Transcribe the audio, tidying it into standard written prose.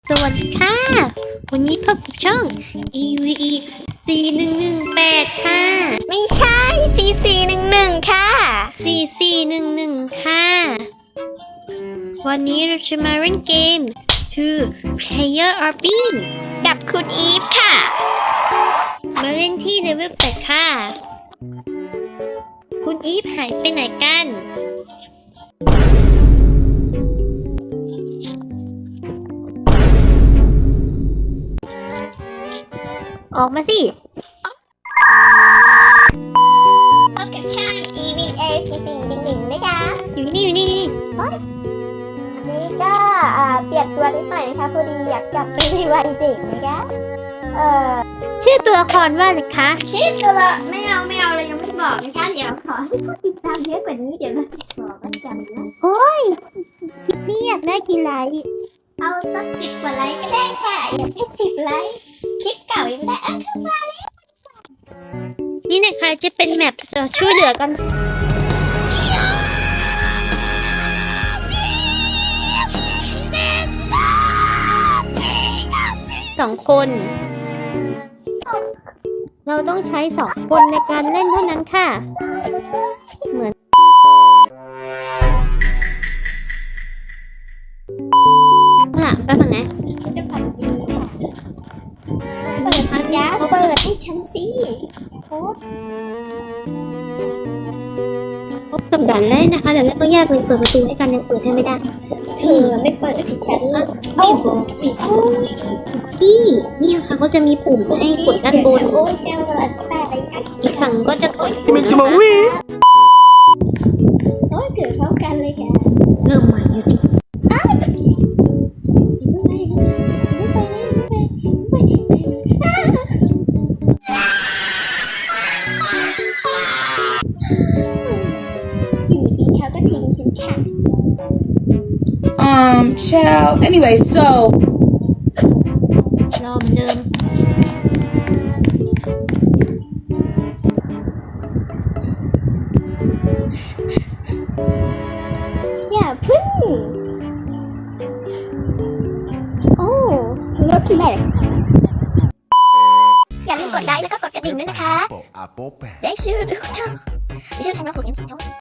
สวัสดีค่ะวันนี้พบกับช่อง EVE 4118ค่ะไม่ใช่4411ค่ะ 4411ค่ะวันนี้เราจะมาเล่นเกม Two Player Arbin กับคุณอีฟค่ะมาเล่นที่เลเวล8ค่ะคุณอีฟหายไปไหนกันออกมาสิพบกับช่าง EVA 4411นะคะอยู่นี่นี่ก็เปลี่ยนตัวนิดหน่อยนะคะพอดีอยากกลับไปในวัยเด็กนะคะชื่อตัวละครว่าอะไรคะชื่อตัวไม่เอาเลยยังไม่บอกนะคะเดี๋ยวขอให้ผู้ติดตามเยอะกว่านี้เดี๋ยวเราจะบอกกันจำนะโอ้ยนี่อยากได้กี่ไลค์เอาสัก10 กว่าไลค์ก็ได้ค่ะอยากได้10 ไลค์คลิปเก่ายังได้ขึ้นมาเลยนี่นะคะจะเป็นแมปช่วยเหลือกัน2 คน เราต้องใช้2 คนในการเล่นเท่านั้นค่ะเหมือนไปฝั่งไหนจะฝันดีค่ะเปิดสัญญาเปิดให้ฉันสิโอ้พบกับด่านแรกนะคะด่านแรกต้องแยกเป็นเปิดประตูให้กันยังเปิดให้ไม่ได้เธอไม่เปิดให้ฉันเลยไม่บอกพี่นี่นะคะก็จะมีปุ่มให้กดด้านบนโอ้ยเจ้าอธิบายอะไรอีกฝั่งก็จะกดปุ่มนะคะโอ้ยเกิดพร้อมกันเลยแกเริ่มใหม่สิอยู่ดีเขาก็ทิ้งฉันค่ะ child anyway so รอเหมือนเดิมอย่าพึ่งโอ้รถที่ไหนอย่าลืมกดไลค์แล้วก็กดกระดิ่งด้วยนะคะได้ชื่อช่องช่องน้องถูกยัง